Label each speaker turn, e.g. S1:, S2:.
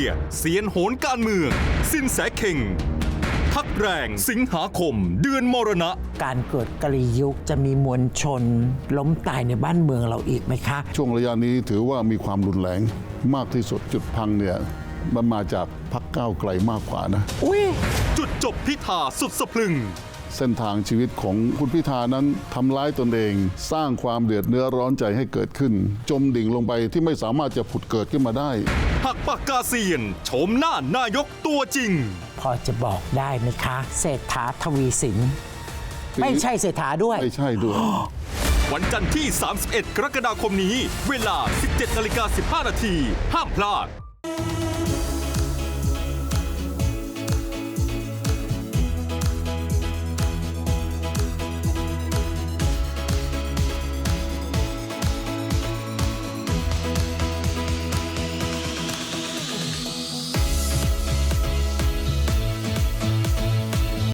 S1: ยเซียนโหนการเมืองสินแสเข่งพักแรงสิงหาคมเดือนมรณะ
S2: การเกิดกลียุคจะมีมวลชนล้มตายในบ้านเมืองเราอีกไหมคะ
S3: ช่วงระยะนี้ถือว่ามีความรุนแรงมากที่สุดจุดพังเนี่ยมันมาจากพรรคก้าวไกลมากกว่านะ
S1: จุดจบพิธาสุดสะพรึง
S3: เส้นทางชีวิตของคุณพิธานั้นทำร้ายตนเองสร้างความเดือดเนื้อร้อนใจให้เกิดขึ้น จมดิ่งลงไปที่ไม่สามารถจะผุดเกิดขึ้นมาได้
S1: หักปากกาเซียนโฉมหน้านายกตัวจริง
S2: พอจะบอกได้ไหมคะเศรษฐาทวีสินไม่ใช่เศรษฐาด้วย
S3: ไม่ใช่ด้วย
S1: วันจันทร์ที่ 31 กรกฎาคมนี้เวลา 17:15 น.ห้ามพลาด